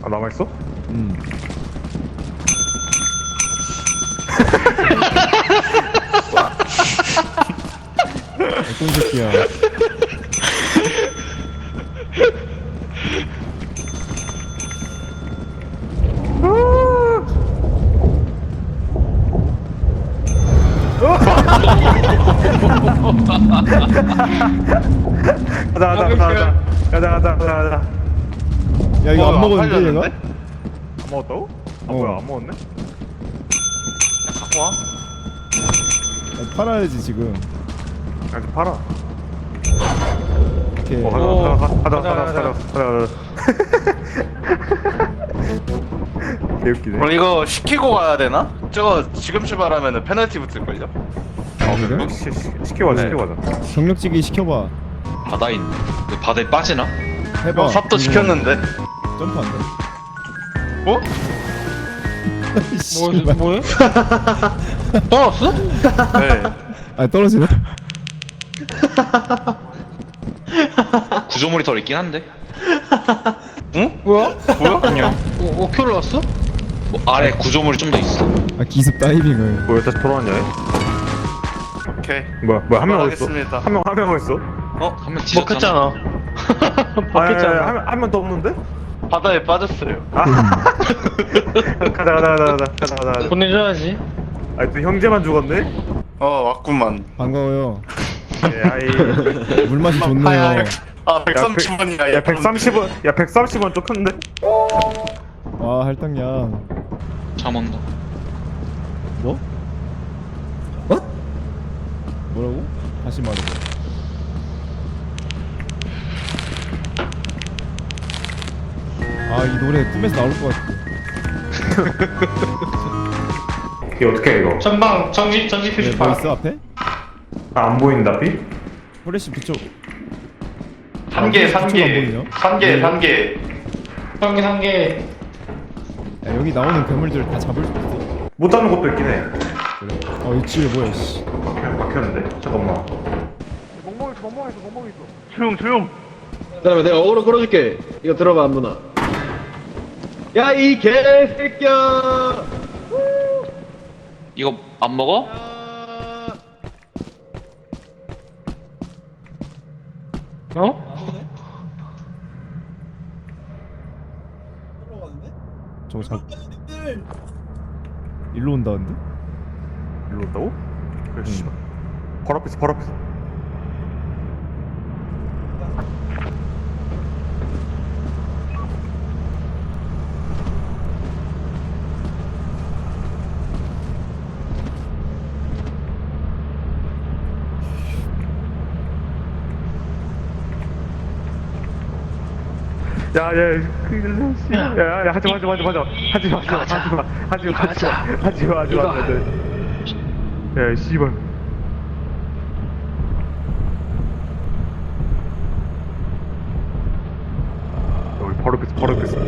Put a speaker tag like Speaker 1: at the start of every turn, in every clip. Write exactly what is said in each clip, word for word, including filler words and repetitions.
Speaker 1: 아, 남아있어?
Speaker 2: 음. 어떤 새끼야.
Speaker 1: 가자 가자 가자 가자 가자 가자 가자.
Speaker 2: 야 이거
Speaker 3: 어,
Speaker 2: 안 먹었는데
Speaker 3: 팔렸는데?
Speaker 2: 얘가?
Speaker 1: 안 먹었다고? 아
Speaker 2: 어.
Speaker 1: 뭐야 안 먹었네?
Speaker 3: 갖고 와.
Speaker 2: 야, 팔아야지 지금.
Speaker 1: 아직 팔아.
Speaker 2: 오케이.
Speaker 1: 어,
Speaker 3: 오.
Speaker 1: 가자 가자 가자
Speaker 3: 가자,
Speaker 1: 가자 가자 가자 가자. 개웃기네.
Speaker 3: 그럼 이거 시키고 가야 되나? 저거 지금 출발하면은 페널티 붙을걸요?
Speaker 1: 아
Speaker 2: 그래?
Speaker 1: 시, 시, 시키고 가자
Speaker 3: 네.
Speaker 1: 시키고 가자.
Speaker 2: 경력직이 시켜봐.
Speaker 4: 바다인 그 바다에 빠지나?
Speaker 2: 해봐.
Speaker 3: 형 삽도 시켰는데?
Speaker 2: 점프 안 돼.
Speaker 3: 어?
Speaker 2: 씨발.
Speaker 3: 뭐해? 떨었어? 네.
Speaker 2: 아 떨어지네.
Speaker 4: 구조물이 덜 있긴 한데
Speaker 3: 응? 뭐야? 뭐야? 그냥. 오, 오 큐를 왔어?
Speaker 4: 뭐 아래 구조물이 좀 더 있어.
Speaker 2: 아 기습 다이빙을.
Speaker 1: 뭐야 다시 돌아왔냐? 얘?
Speaker 3: 오케이.
Speaker 1: 뭐야 뭐야 한 명 어딨어?
Speaker 3: 하겠습니다.
Speaker 1: 한 명 한 명 어딨어?
Speaker 3: 어?
Speaker 4: 한 명 뒤졌잖아.
Speaker 3: 먹혔잖아.
Speaker 1: 바뀌었잖아. 한명 더 없는데?
Speaker 3: 바다에 빠졌어요.
Speaker 1: 아. 가자 가자 가자 가자 가자 가자.
Speaker 3: 보내줘야지.
Speaker 1: 아니 또 형제만 죽었네?
Speaker 3: 어, 왔구만.
Speaker 2: 반가워요.
Speaker 1: 예, 아이.
Speaker 2: 물 맛이 좋네요.
Speaker 3: 아, 백삼십 원이야.
Speaker 1: 야 백삼십 원. 야 백삼십 원 좀 큰데?
Speaker 2: 와 할당량.
Speaker 4: 잠 온다.
Speaker 2: 뭐? 뭐? 뭐라고? 다시 말해봐. 아 이 노래 꿈에서 나올 것 같아.
Speaker 1: 이게 어떻게 해 이거?
Speaker 3: 전방 정지 정지
Speaker 2: 네, 뭐 있어 앞에?
Speaker 1: 아, 안 보인다 비?
Speaker 2: 후레쉬 붙여.
Speaker 3: 한 개,
Speaker 2: 아,
Speaker 3: 한
Speaker 2: 그쪽은 안
Speaker 3: 개,
Speaker 2: 보이냐?
Speaker 3: 한 개, 한 개. 한 개, 한 개.
Speaker 2: 야, 여기 나오는 괴물들 다 잡을 수 있어.
Speaker 1: 못 잡는 것도 있긴 해.
Speaker 2: 그래? 어 이 집에 뭐야 씨.
Speaker 1: 그냥 막혔는데? 잠깐만.
Speaker 3: 조용, 조용.
Speaker 5: 그다음에 내가 어그로 끌어줄게. 이거 들어봐 안무나. 야 이 개새끼야.
Speaker 4: 이거 안 먹어?
Speaker 3: 어?
Speaker 2: 저거 잡. 일로 온다는데?
Speaker 1: 일로 온다고? 그래 씨발. 바로 앞에서 바로 앞에서. 야, 야, 그, 씨, 야, 야, 하지 마, 하지 마, 하지 마, 하지 마, 하지 마, 하지 마, 하지 마, 하지 마, 하지 마, 하지 마, 하지 마, 하지 마, 야, 씨발. 여기 바로 앞에서, 바로 앞에서.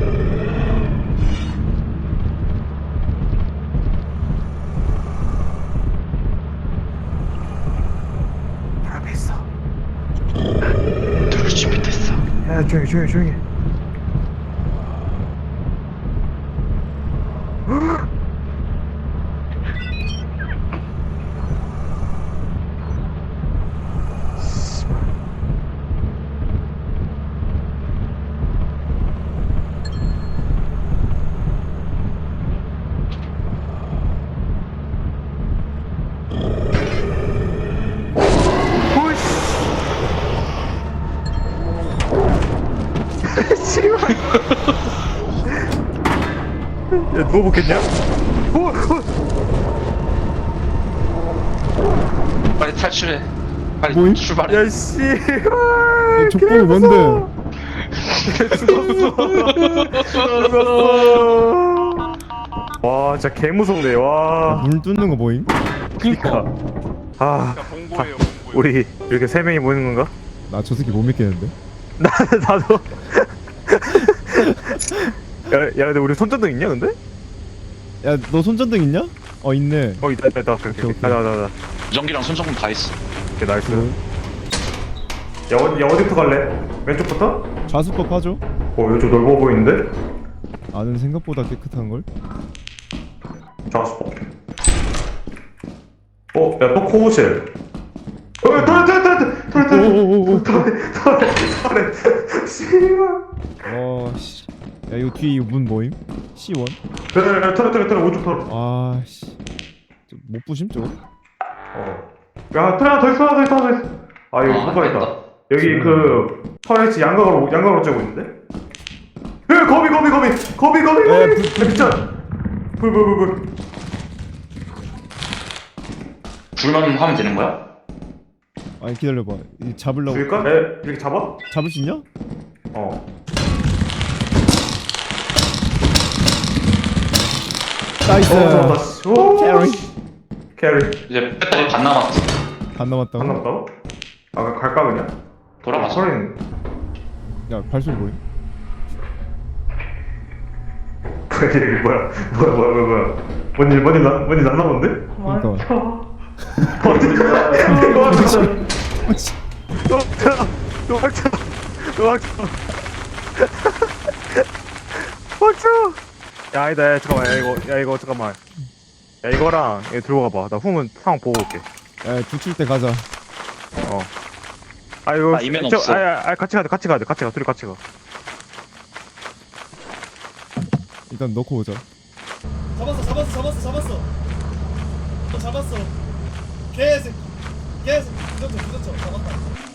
Speaker 1: 바로 앞에 있어.
Speaker 4: 들을 준비됐어.
Speaker 1: 야, 조용히, 조용히, 조용히. 야, 누워보겠냐? 오! 오!
Speaker 4: 빨리 탈출해. 빨리
Speaker 2: 뭐임?
Speaker 4: 출발해.
Speaker 1: 야, 씨!
Speaker 2: 이 족보이 뭔데?
Speaker 1: 죽었어! 죽었어! 와, 진짜 개무섭네, 와.
Speaker 2: 물 뚫는 거 보임?
Speaker 1: 그니까. 아,
Speaker 3: 봉고예요,
Speaker 1: 다- 우리 이렇게 세 명이 모이는 건가?
Speaker 2: 나 저 새끼 못 믿겠는데?
Speaker 1: 나, 나도. 야, 야, 근데 우리 손전등 있냐, 근데?
Speaker 2: 야 너 손전등 있냐? 어 있네.
Speaker 1: 어, 있다, 있다, 있다. 오케이,
Speaker 2: 오케이,
Speaker 1: 오케이.
Speaker 2: 오케이.
Speaker 1: 가자, 가자, 가자.
Speaker 4: 전기랑 손전등 다 있어.
Speaker 1: 오케이, 나이스.
Speaker 2: 그
Speaker 1: 야, 어디, 야, 어디부터 갈래? 왼쪽부터?
Speaker 2: 좌수법 하죠?
Speaker 1: 어, 이거 좀 넓어 보이는데?
Speaker 2: 안은 생각보다 깨끗한 걸?
Speaker 1: 잡았어. 어, 야, 또 코오실. 어, 털에, 털에, 털에, 털에, 털에,
Speaker 2: 오오오오.
Speaker 1: 털에, 털에, 털에. 씨발.
Speaker 2: 와 씨. 야 이거 뒤에 이거 문 뭐임? 씨 원?
Speaker 1: 털에, 털에, 털에, 털에, 오른쪽 털.
Speaker 2: 아 씨. 저못 부심 저거?
Speaker 1: 어. 야, 털에 하나 더 있어, 하나 더 있어, 하나 더 있어. 아, 여기
Speaker 4: 아,
Speaker 1: 뭐가 있다.
Speaker 4: 됐다.
Speaker 1: 여기 그 털에 양각으로, 양각으로 쬐고 있는데? 야, 거미, 거미, 거미, 거미, 거미,
Speaker 2: 야,
Speaker 1: 거미.
Speaker 2: 불, 불,
Speaker 1: 야, 미쳐. 불, 불, 불, 불.
Speaker 4: 불만 하면 되는 거야?
Speaker 2: 아니 기다려봐. 이 잡으려고.
Speaker 1: 죽일까? 에, 이렇게 잡아?
Speaker 2: 잡을 수 있냐?
Speaker 1: 어.
Speaker 2: 나이스.
Speaker 1: 어, 잡았다. 씨. 오,
Speaker 2: 캐리.
Speaker 1: 캐리.
Speaker 4: 이제 배터리 반 남았어.
Speaker 2: 반 남았다고?
Speaker 1: 안 남았다고? 아, 그럼 갈까 그냥?
Speaker 4: 돌아가서.
Speaker 1: 소리는
Speaker 2: 야 발소리 뭐임?
Speaker 1: 이게 뭐야? 뭐야, 뭐야, 뭐야, 뭐야? 뭔일, 뭔일 나, 뭔일 났나 본데?
Speaker 2: 그러니까.
Speaker 1: 어디? 도망쳐!
Speaker 2: 아, 씨.
Speaker 1: 도망쳐! 도망쳐! 도망쳐! 도망쳐! 야, 아니다, 야, 잠깐만, 야, 이거, 야, 이거, 잠깐만. 야, 이거랑, 이거 들고 가봐. 나 후문 상황 보고 올게.
Speaker 2: 야 붙일 때 가자.
Speaker 1: 어. 아, 이거.
Speaker 4: 아, 이면
Speaker 1: 저,
Speaker 4: 없어.
Speaker 1: 아, 아, 아, 같이 가자, 같이 가자, 같이 가, 둘이 같이 가.
Speaker 2: 일단 넣고 오자.
Speaker 6: 잡았어 잡았어 잡았어 잡았어 어, 잡았어 개새끼 개새끼 부전쳐 부전쳐 잡았다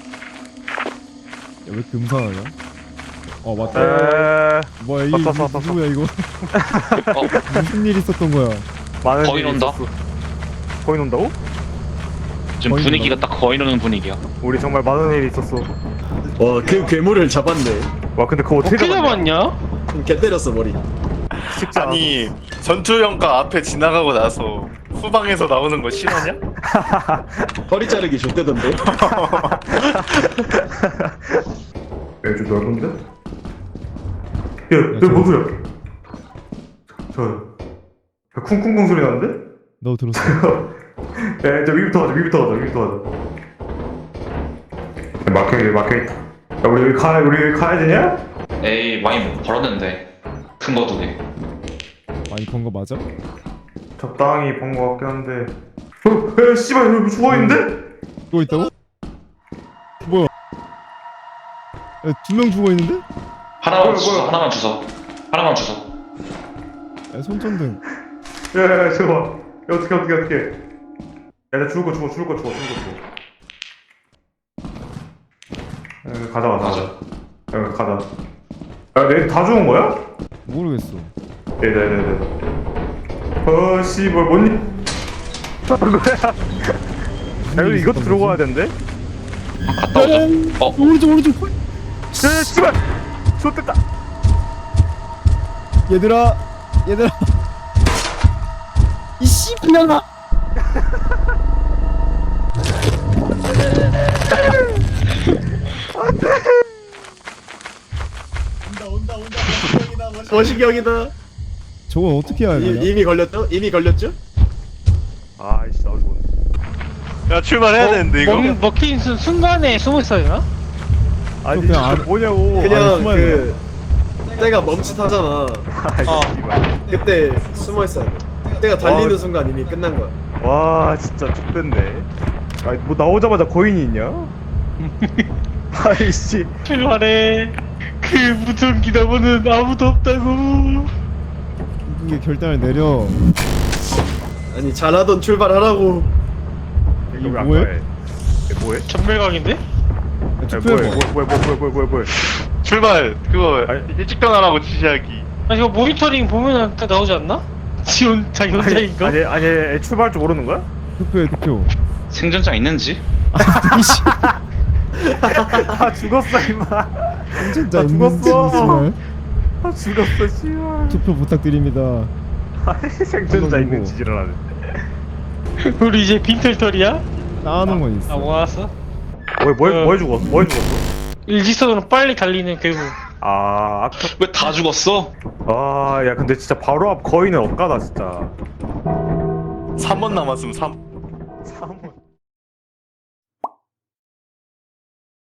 Speaker 2: 야왜 이렇게 음산하냐? 어 맞다.
Speaker 1: 에,
Speaker 2: 뭐야 이게
Speaker 1: 왔어, 왔어,
Speaker 2: 누구야 이거?
Speaker 4: 어,
Speaker 2: 무슨 일 있었던 거야?
Speaker 1: 많은
Speaker 4: 거의
Speaker 1: 일이
Speaker 4: 논다.
Speaker 1: 있었어. 거의 논다고?
Speaker 4: 지금
Speaker 2: 거의
Speaker 4: 분위기가 딱 거의 노는 분위기야.
Speaker 1: 우리 정말 많은 일이 있었어.
Speaker 5: 와, 그 괴물을 잡았네.
Speaker 1: 와, 근데 그거 어떻게 잡았냐?
Speaker 5: 개 때렸어 머리.
Speaker 1: 쉽지 않아.
Speaker 3: 아니 전투형과 앞에 지나가고 나서 후방에서 나오는 거 싫어냐?
Speaker 5: 허리 자르기 좋대던데.
Speaker 1: 야, 좀 넓은데? 야, 야,
Speaker 2: 저-
Speaker 1: 뭔 소리야? 저, 야, 쿵쿵쿵 소리 나는데?
Speaker 2: 너 들었어?
Speaker 1: 야, 저 위부터 가자, 위부터 가자, 위부터 가자. 야, 막혀, 막혀있다. 야, 우리 여기 가, 우리 여기 가야 되냐?
Speaker 4: 에이, 많이 벌었는데. 큰 거 두 개.
Speaker 2: 많이 본 거 맞아?
Speaker 1: 적당히 본 것 같긴 한데. 어, 야, 씨발, 여기 죽어있는데?
Speaker 2: 또 있다고? 뭐야? 두 명 죽어 있는데?
Speaker 4: 하나만
Speaker 1: 뭐야,
Speaker 4: 주소,
Speaker 1: 뭐야.
Speaker 4: 하나만 주소. 하나만 주소.
Speaker 2: 야 손전등.
Speaker 1: 야, 야, 야, 저거. 야, 어떡해, 어떡해, 어떡해. 야, 나 죽을 거 죽어, 죽을 거 죽어, 죽을 거 죽어. 야, 가자, 가자, 가자. 야, 가자. 야, 내 다 죽은 거야?
Speaker 2: 모르겠어.
Speaker 1: 네네네네. 어, 씨, 뭘, 뭔 일. 뭐야? 야, 여기 이것도 들어가야 된대?
Speaker 4: 갔다 오자. 어,
Speaker 2: 오른쪽 오른쪽.
Speaker 1: 야, 씨발! 좋됐다!
Speaker 2: 얘들아 얘들아. 이 씨발년아.
Speaker 6: 온다 온다 온다 머시경이다 머시경
Speaker 5: 머시경이다.
Speaker 2: 저건 어떻게 해야 되냐?
Speaker 5: 이, 이미 걸렸죠? 이미 걸렸죠?
Speaker 1: 아이씨, 나도 죽었네.
Speaker 3: 야 출발해야 되는데 이거.
Speaker 7: 먹, 먹힌 순- 순간에 숨어 있어요?
Speaker 1: 아니,
Speaker 2: 그냥
Speaker 1: 진짜
Speaker 2: 안-
Speaker 1: 뭐냐고.
Speaker 5: 그냥
Speaker 2: 숨어야
Speaker 5: 그 때가 멈칫하잖아.
Speaker 1: 아이씨,
Speaker 7: 어.
Speaker 1: 씨발.
Speaker 5: 그때 숨어 있어야 돼. 때가 달리는
Speaker 1: 어.
Speaker 5: 순간 이미 끝난 거야.
Speaker 1: 와, 진짜 죽됐네. 아니, 뭐 나오자마자 거인이 있냐? 아이씨.
Speaker 7: 출발해. 그 무전기 너머는 아무도 없다고.
Speaker 2: 이게 결단을 내려.
Speaker 5: 아니 잘하던 출발하라고.
Speaker 2: 이게
Speaker 1: 왜안
Speaker 2: 뭐해?
Speaker 1: 가해? 이게 뭐해?
Speaker 7: 전멸각인데?
Speaker 2: 야,
Speaker 1: 야,
Speaker 2: 투표해봐.
Speaker 1: 뭐해, 뭐해, 뭐해, 뭐해, 뭐해, 뭐해, 뭐해.
Speaker 3: 출발 그거
Speaker 1: 아니.
Speaker 3: 일찍 전환하고 지시하기.
Speaker 7: 아 이거 모니터링 보면은 딱 나오지 않나? 지원 자기
Speaker 1: 아니,
Speaker 7: 혼자인가?
Speaker 1: 아니, 아니, 아니, 출발할 줄 모르는 거야?
Speaker 2: 투표해 투표.
Speaker 4: 생존자 있는지?
Speaker 1: 아, 죽었어, 임마.
Speaker 2: 진짜
Speaker 1: 나 죽었어.
Speaker 2: 있는
Speaker 1: 아, 죽었어, 씨발.
Speaker 2: 투표 부탁드립니다.
Speaker 1: 아니, 생존자
Speaker 2: 한번
Speaker 1: 있는
Speaker 2: 보고.
Speaker 1: 지지를 하네.
Speaker 7: 우리 이제 빈털털이야?
Speaker 2: 나오는 건 있어.
Speaker 7: 아 모았어?
Speaker 1: 뭐해, 뭐해,
Speaker 7: 어.
Speaker 1: 뭐해 죽었어? 뭐해 죽었어?
Speaker 7: 일직선으로 빨리 달리는 괴물.
Speaker 1: 아, 아까.
Speaker 4: 왜 다 죽었어?
Speaker 1: 아, 야, 근데 진짜 바로 앞 거인은 억까다, 진짜.
Speaker 3: 삼 번 남았으면 삼.